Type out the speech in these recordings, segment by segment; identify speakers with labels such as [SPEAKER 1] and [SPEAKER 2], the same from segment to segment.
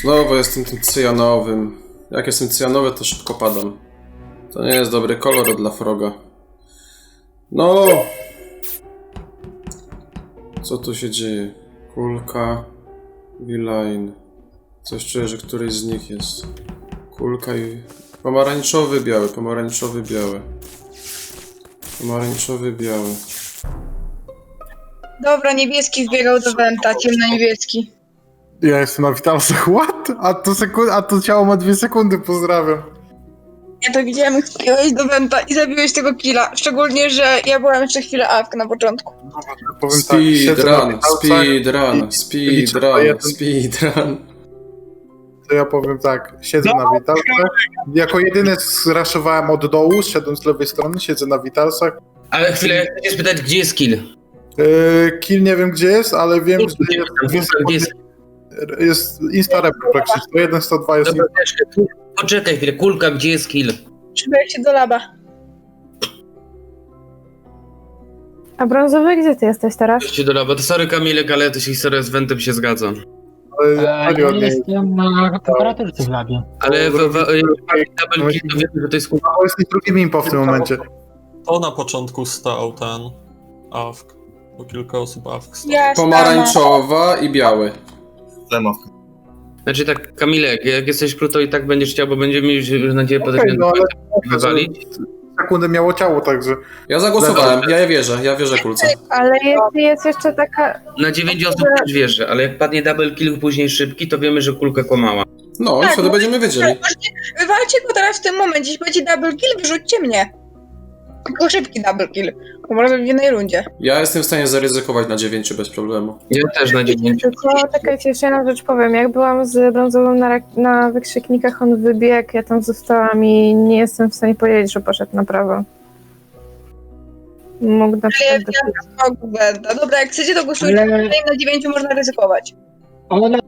[SPEAKER 1] Znowu jestem tym cyjanowym. Jak jestem cyjanowy, to szybko padam. To nie jest dobry kolor dla Froga. No! Co tu się dzieje? Kulka... V-Line. Coś czuję, że któryś z nich jest. Kulka i... Pomarańczowy, biały, pomarańczowy, biały. Pomarańczowy, biały.
[SPEAKER 2] Dobra, niebieski wbiegał do Wenta, ciemno-niebieski.
[SPEAKER 3] Ja jestem na Witalsach, what? A to ciało ma 2 sekundy, pozdrawiam.
[SPEAKER 2] Ja to widziałem, jak wbiegłeś do Wenta i zabiłeś tego killa. Szczególnie, że ja byłam jeszcze chwilę AFK na początku.
[SPEAKER 3] Powiem tak, siedzę na
[SPEAKER 1] Speedrun,
[SPEAKER 3] Witalsach
[SPEAKER 1] speedrun, speedrun.
[SPEAKER 3] To ja powiem tak, siedzę na Witalsach. Jako jedyny zraszowałem od dołu, szedłem z lewej strony, siedzę na Witalsach.
[SPEAKER 4] Ale chwilę, ja chcę cię spytać, gdzie jest kill?
[SPEAKER 3] Kill nie wiem gdzie jest, ale wiem, że jest jest Insta-Report praktycznie. 101, 102 jest.
[SPEAKER 4] Dobra, poczekaj chwilę, kulka, gdzie jest kill?
[SPEAKER 2] Przybyłem się do laba.
[SPEAKER 5] A brązowy, gdzie ty jesteś teraz?
[SPEAKER 4] Idźcie do laba. To sorry Kamilek, ale to się historia z Wentem się zgadza.
[SPEAKER 6] Ja jestem na temperaturce w labie.
[SPEAKER 4] Ale double kill to wiemy, że to jest kulka.
[SPEAKER 3] To jest drugim impo w tym momencie.
[SPEAKER 7] To na początku stał ten AFK, bo kilka osób AFK stało.
[SPEAKER 2] Ja
[SPEAKER 1] Pomarańczowa i biały.
[SPEAKER 4] Znaczy tak, Kamilek, jak jesteś krótko i tak będziesz chciał, bo będziemy mieli nadzieję potem
[SPEAKER 3] No, ale
[SPEAKER 4] wywalić.
[SPEAKER 3] sekundę miało ciało, także.
[SPEAKER 1] Ja zagłosowałem, ja wierzę kulce.
[SPEAKER 5] Ale jest jeszcze taka...
[SPEAKER 4] Na 9 osób też wierzę, ale jak padnie double kill później szybki, to wiemy, że kulka kłamała.
[SPEAKER 1] No i wtedy będziemy wiedzieli.
[SPEAKER 2] Wywalcie go teraz w tym momencie, jeśli będzie double kill, wyrzućcie mnie. Tylko szybki double kill, bo może w jednej rundzie.
[SPEAKER 1] Ja jestem w stanie zaryzykować na 9 bez problemu.
[SPEAKER 4] Ja też na 9.
[SPEAKER 5] Tylko czekajcie, jeszcze jedna rzecz powiem. Jak byłam z brązowym na wykrzyknikach, on wybiegł, ja tam zostałam i nie jestem w stanie powiedzieć, że poszedł na prawo. Mógł na przykład...
[SPEAKER 2] Dobra, jak chcecie, to głosujcie.
[SPEAKER 6] Ale-
[SPEAKER 2] Na 9 można ryzykować.
[SPEAKER 6] Ale...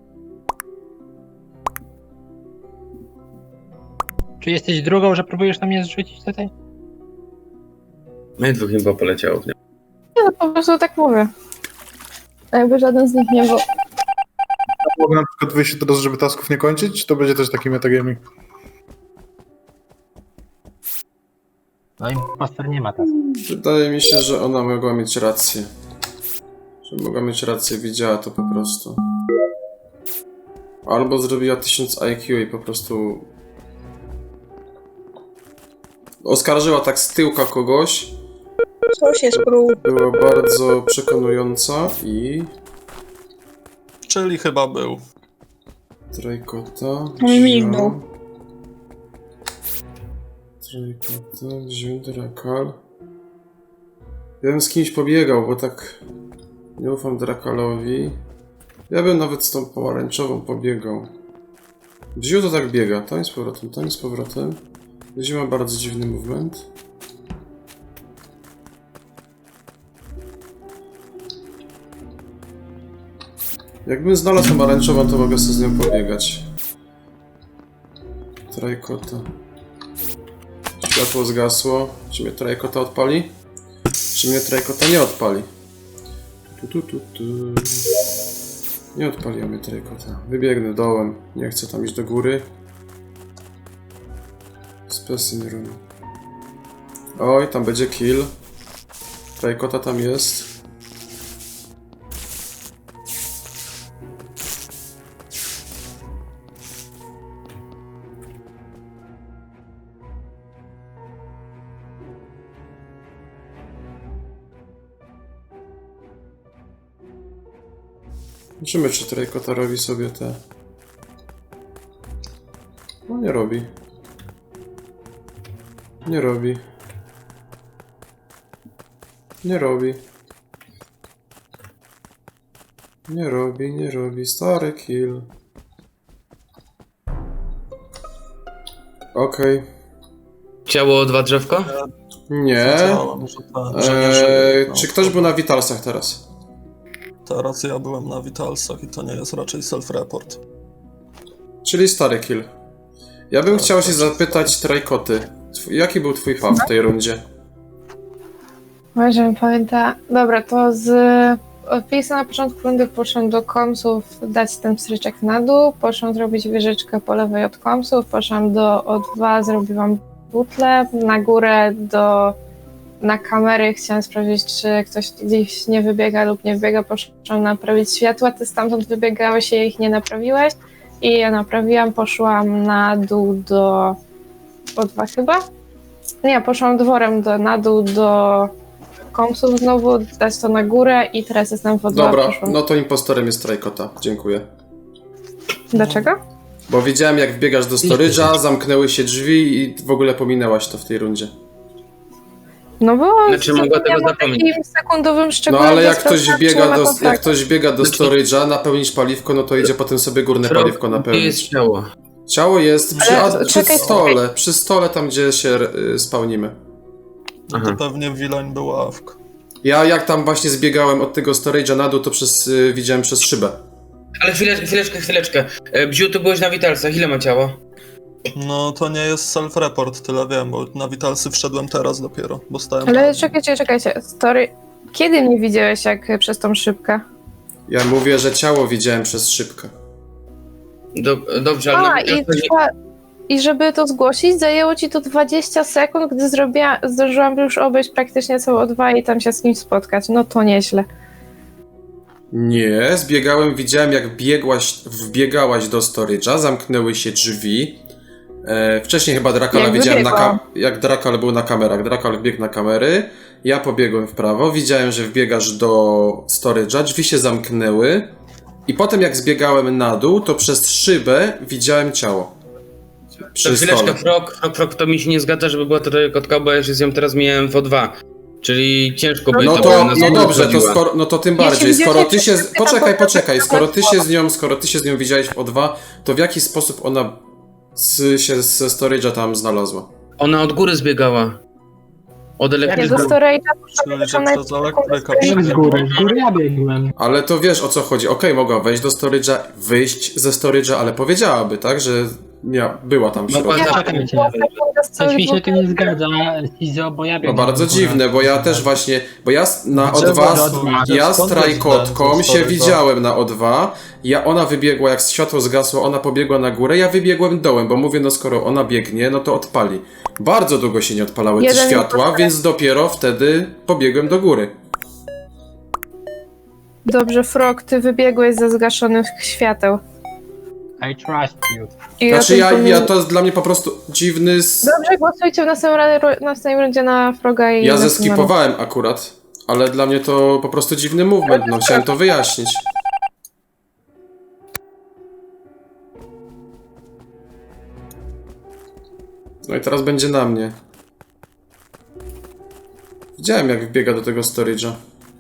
[SPEAKER 6] Czy jesteś drugą, że próbujesz na mnie zrzucić tutaj?
[SPEAKER 4] My dwóch chyba poleciało. Nie?
[SPEAKER 5] Nie, no po prostu tak mówię. Jakby żaden z nich nie był...
[SPEAKER 3] Mogę na przykład wyjść teraz, żeby tasków nie kończyć, czy to będzie też taki metagaming?
[SPEAKER 6] No impostor nie ma teraz.
[SPEAKER 1] Wydaje mi się, że ona mogła mieć rację. Że mogła mieć rację, widziała to po prostu. Albo zrobiła 1000 IQ i po prostu... oskarżyła tak z tyłka kogoś.
[SPEAKER 2] Coś jest prób.
[SPEAKER 1] Była bardzo przekonująca i...
[SPEAKER 7] Czyli chyba był.
[SPEAKER 1] Trajkota...
[SPEAKER 2] Mi mignął.
[SPEAKER 1] Trajkota, wziął Drakal. Ja bym z kimś pobiegał, bo tak... nie ufam Drakalowi. Ja bym nawet z tą pomarańczową pobiegał. Wziął to tak biega, tam z powrotem, tam z powrotem. Wziął ma bardzo dziwny movement. Jakbym znalazł pomarańczową, to mogę sobie z nią pobiegać. Trajkota. Światło zgasło. Czy mnie trajkota odpali? Czy mnie trajkota nie odpali? Nie odpaliła mnie trajkota. Wybiegnę dołem. Nie chcę tam iść do góry. Specimen room. Oj, tam będzie kill. Trajkota tam jest. Zobaczymy, czy Trajkota robi sobie te... No nie robi. Nie robi. Nie robi. Nie robi. Stary kill. Okej.
[SPEAKER 4] Ciało 2 drzewko?
[SPEAKER 1] Nie.
[SPEAKER 7] Wiedziałem, że nie żyje. No,
[SPEAKER 1] Czy ktoś był na Witalsach teraz?
[SPEAKER 7] Teraz ja byłem na Witalsach i to nie jest raczej self-report.
[SPEAKER 1] Czyli stary kill. Ja bym chciał się zapytać Trajkoty. Jaki był twój fav w tej rundzie?
[SPEAKER 5] Może mi pamięta... Dobra, to z Wpisa na początku rundy poszłam do komsów dać ten pstryczek na dół, poszłam zrobić wieżyczkę po lewej od komsów, poszłam do O2, zrobiłam butlę, na górę na kamery, chciałam sprawdzić, czy ktoś gdzieś nie wybiega lub nie wybiega, poszłam naprawić światła, ty stamtąd wybiegałeś i ich nie naprawiłeś i ja naprawiłam, poszłam na dół do O2 chyba? Nie, poszłam dworem na dół do komsów znowu, dać to na górę i teraz jestem w O2.
[SPEAKER 1] Dobra,
[SPEAKER 5] poszłam.
[SPEAKER 1] no to impostorem jest Trajkota. Dziękuję.
[SPEAKER 5] Dlaczego?
[SPEAKER 1] Bo widziałem, jak wbiegasz do storage'a, zamknęły się drzwi i w ogóle pominęłaś to w tej rundzie.
[SPEAKER 5] No bo
[SPEAKER 4] Znaczy, mogła tego
[SPEAKER 5] zapomniałam o
[SPEAKER 4] zapomnieć.
[SPEAKER 5] takim sekundowym
[SPEAKER 1] No
[SPEAKER 5] szczególe.
[SPEAKER 1] ale
[SPEAKER 5] że
[SPEAKER 1] jak ktoś
[SPEAKER 5] sprawdzam,
[SPEAKER 1] biega
[SPEAKER 5] czy ma
[SPEAKER 1] do,
[SPEAKER 5] kontakt.
[SPEAKER 1] jak ktoś biega do storage'a, napełnić paliwko, no to idzie potem sobie górne
[SPEAKER 4] Frog,
[SPEAKER 1] paliwko
[SPEAKER 4] gdzie
[SPEAKER 1] napełnić.
[SPEAKER 4] jest ciało?
[SPEAKER 1] Ciało jest przy,
[SPEAKER 5] Ale
[SPEAKER 1] przy
[SPEAKER 5] czekaj,
[SPEAKER 1] stole, przy stole tam, gdzie się spełnimy.
[SPEAKER 7] No
[SPEAKER 4] Aha.
[SPEAKER 7] to pewnie Wilań był AFK.
[SPEAKER 1] Ja jak tam właśnie zbiegałem od tego storage'a na dół, to widziałem przez szybę.
[SPEAKER 4] Ale chwileczkę. Bziu, tu byłeś na Witalsach, ile ma ciało?
[SPEAKER 7] No to nie jest self-report, tyle wiem, bo na Witalsy wszedłem teraz dopiero, bo stałem
[SPEAKER 5] Ale
[SPEAKER 7] tam.
[SPEAKER 5] czekajcie. Story. Kiedy mnie widziałeś jak przez tą szybkę?
[SPEAKER 1] Ja mówię, że ciało widziałem przez szybkę.
[SPEAKER 4] Dobrze, ale na
[SPEAKER 5] I żeby to zgłosić, zajęło ci to 20 sekund, gdy zdążyłam już obejść praktycznie całe O2 i tam się z kimś spotkać. No to nieźle.
[SPEAKER 1] Nie, zbiegałem, widziałem jak wbiegałaś do storage'a, zamknęły się drzwi. Wcześniej chyba Drakala
[SPEAKER 5] Jak
[SPEAKER 1] widziałem
[SPEAKER 5] wybiegłam.
[SPEAKER 1] jak Drakal był na kamerach. Drakal wbiegł na kamery, ja pobiegłem w prawo, widziałem, że wbiegasz do storage'a, drzwi się zamknęły i potem jak zbiegałem na dół, to przez szybę widziałem ciało. Przy
[SPEAKER 4] chwileczkę,
[SPEAKER 1] stole.
[SPEAKER 4] Frog, to mi się nie zgadza, żeby była to kotka, bo ja się z nią teraz mijałem w O2. Czyli ciężko by
[SPEAKER 1] No
[SPEAKER 4] to
[SPEAKER 1] to,
[SPEAKER 4] było,
[SPEAKER 1] no dobrze, to
[SPEAKER 4] chodziła.
[SPEAKER 1] skoro, no to tym
[SPEAKER 5] Ja się
[SPEAKER 1] bardziej,
[SPEAKER 5] widziałem,
[SPEAKER 1] skoro ty
[SPEAKER 5] jak
[SPEAKER 1] się,
[SPEAKER 5] się tam
[SPEAKER 1] poczekaj, skoro
[SPEAKER 5] potem-
[SPEAKER 1] ty się z nią widziałeś w O2, to w jaki sposób ona się ze storage'a tam znalazła?
[SPEAKER 4] Ona od góry zbiegała. Od
[SPEAKER 5] Ja do
[SPEAKER 4] elektryka.
[SPEAKER 5] storage'a
[SPEAKER 7] Czyli, że
[SPEAKER 5] poszłam
[SPEAKER 7] przez elektryka
[SPEAKER 6] Jak z góry ja biegłem.
[SPEAKER 1] Ale to wiesz o co chodzi, okej, mogła wejść do storage'a, wyjść ze storage'a, ale powiedziałaby, tak, że była tam w
[SPEAKER 4] Mogła
[SPEAKER 1] środku.
[SPEAKER 4] za-
[SPEAKER 6] Czekajcie. Coś mi się tu nie zgadza, Sizo, bo ja
[SPEAKER 1] No
[SPEAKER 6] biegłem.
[SPEAKER 1] bardzo
[SPEAKER 6] w górę.
[SPEAKER 1] dziwne, bo ja też właśnie, bo ja na
[SPEAKER 7] Gdzie
[SPEAKER 1] O2,
[SPEAKER 7] właśnie-
[SPEAKER 1] ja z
[SPEAKER 7] skąd
[SPEAKER 1] Trajkotką
[SPEAKER 7] ten
[SPEAKER 1] się
[SPEAKER 7] storage'a?
[SPEAKER 1] widziałem na O2, ona wybiegła, jak światło zgasło, ona pobiegła na górę, ja wybiegłem dołem, bo mówię, no skoro ona biegnie, no to odpali. Bardzo długo się nie odpalały te
[SPEAKER 5] Jeden
[SPEAKER 1] światła,
[SPEAKER 5] impostor.
[SPEAKER 1] więc dopiero wtedy pobiegłem do góry.
[SPEAKER 5] Dobrze, Frog, ty wybiegłeś ze zgaszonych świateł.
[SPEAKER 6] I trust you.
[SPEAKER 5] I
[SPEAKER 1] Znaczy
[SPEAKER 5] o tym
[SPEAKER 1] ja to jest dla mnie po prostu dziwny...
[SPEAKER 5] Dobrze, głosujcie w następnej rundzie na Froga i
[SPEAKER 1] Ja
[SPEAKER 5] na
[SPEAKER 1] zeskipowałem akurat, ale dla mnie to po prostu dziwny movement, no chciałem to wyjaśnić. No i teraz będzie na mnie. Widziałem jak wbiega do tego storage'a.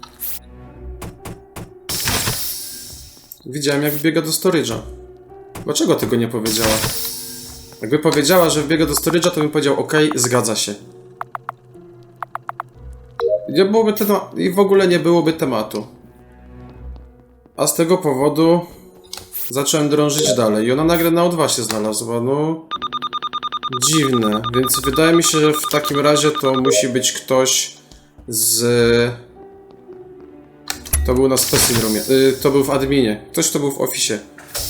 [SPEAKER 1] Widziałem jak wbiega do storage'a. Dlaczego tego nie powiedziała? Jakby powiedziała, że wbiega do storage'a, to bym powiedział ok, zgadza się. Nie byłoby i w ogóle nie byłoby tematu. A z tego powodu zacząłem drążyć dalej i ona nagle na O2 się znalazła, no dziwne, więc wydaje mi się, że w takim razie to musi być ktoś z... To był na Specimen Roomie, to był w adminie, ktoś kto był w oficie.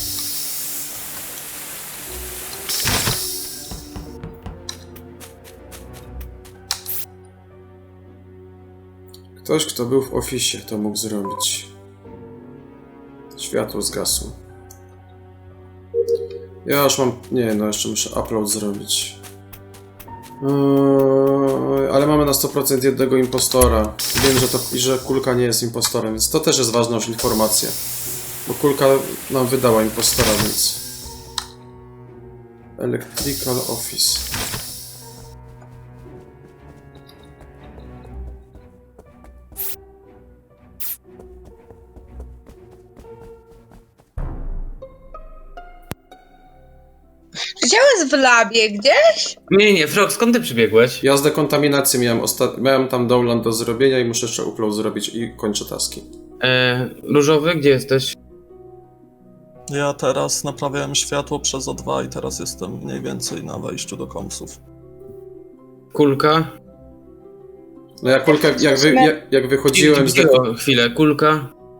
[SPEAKER 1] Ktoś, kto był w oficie, to mógł zrobić. Światło zgasło. Ja już mam... Nie, no jeszcze muszę upload zrobić. Ale mamy na 100% jednego impostora. Wiem, że Kulka nie jest impostorem, więc to też jest ważna już informacja. Bo Kulka nam wydała impostora, więc... Electrical Office.
[SPEAKER 2] Czy ciało jest w labie gdzieś?
[SPEAKER 4] Nie, Frog, skąd ty przybiegłeś?
[SPEAKER 1] Ja z dekontaminacji miałem tam download do zrobienia i muszę jeszcze upload zrobić i kończę taski.
[SPEAKER 4] Różowy, gdzie jesteś?
[SPEAKER 7] Ja teraz naprawiałem światło przez O2 i teraz jestem mniej więcej na wejściu do komsów.
[SPEAKER 4] Kulka?
[SPEAKER 1] No jak Kulka, jak wychodziłem z
[SPEAKER 4] Chwilę, kulka.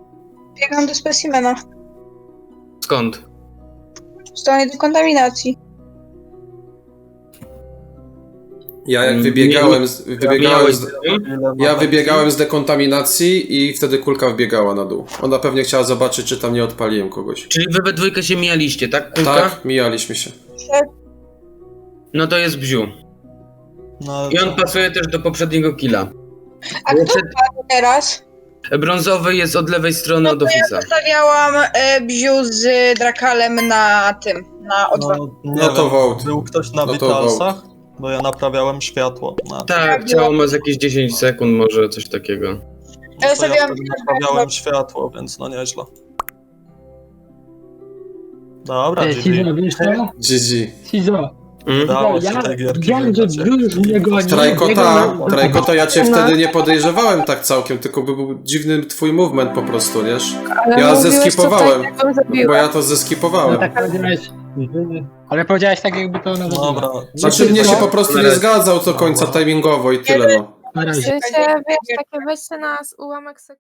[SPEAKER 2] Biegam do specimena.
[SPEAKER 4] Skąd?
[SPEAKER 2] W stronę dekontaminacji.
[SPEAKER 1] Ja jak wybiegałem
[SPEAKER 7] Ja
[SPEAKER 1] wybiegałem z dekontaminacji i wtedy kulka wbiegała na dół. Ona pewnie chciała zobaczyć, czy tam nie odpaliłem kogoś.
[SPEAKER 4] Czyli wy we dwójkę się mijaliście, tak? Kulka?
[SPEAKER 1] Tak, mijaliśmy się.
[SPEAKER 4] No to jest Bziu.
[SPEAKER 7] No,
[SPEAKER 4] I on pasuje też do poprzedniego killa.
[SPEAKER 2] A kto padł teraz?
[SPEAKER 4] Brązowy jest od lewej strony od
[SPEAKER 2] Ja
[SPEAKER 4] Office'a.
[SPEAKER 2] zostawiałam Bziu z Drakalem na tym, na O2.
[SPEAKER 7] nie
[SPEAKER 1] No to
[SPEAKER 7] wiem,
[SPEAKER 1] vote.
[SPEAKER 7] był ktoś na
[SPEAKER 1] No to
[SPEAKER 7] Vitalsach? Bo ja naprawiałem światło.
[SPEAKER 4] Tak, ciało ma z jakieś 10 sekund, może coś takiego.
[SPEAKER 2] Ja
[SPEAKER 7] To ja
[SPEAKER 2] zostawiałam
[SPEAKER 7] wtedy naprawiałem światło, więc no nieźle. Dobra, GG.
[SPEAKER 6] Sizo, wiesz co?
[SPEAKER 1] GG.
[SPEAKER 6] Sizo,
[SPEAKER 7] Udało się
[SPEAKER 6] ja
[SPEAKER 7] tej gierki
[SPEAKER 6] wiem, że
[SPEAKER 7] wygrać.
[SPEAKER 6] już mnie goni.
[SPEAKER 1] Trajkota, ja cię wtedy nie podejrzewałem tak całkiem, tylko był dziwny twój movement po prostu, wiesz?
[SPEAKER 5] Ale
[SPEAKER 1] Ja
[SPEAKER 5] mówiłeś
[SPEAKER 1] zeskipowałem,
[SPEAKER 5] tutaj, jak ją zabiła.
[SPEAKER 1] Bo ja to
[SPEAKER 6] No
[SPEAKER 1] zeskipowałem.
[SPEAKER 6] tak powiedziałeś. Ale powiedziałeś tak, jakby to ona zabiła.
[SPEAKER 7] Dobra.
[SPEAKER 1] Znaczy mnie się po prostu nie zgadzał do końca timingowo i tyle no.
[SPEAKER 6] Na
[SPEAKER 5] W
[SPEAKER 6] razie.
[SPEAKER 5] sensie, wiesz, takie weźcie nas ułamek sekundy.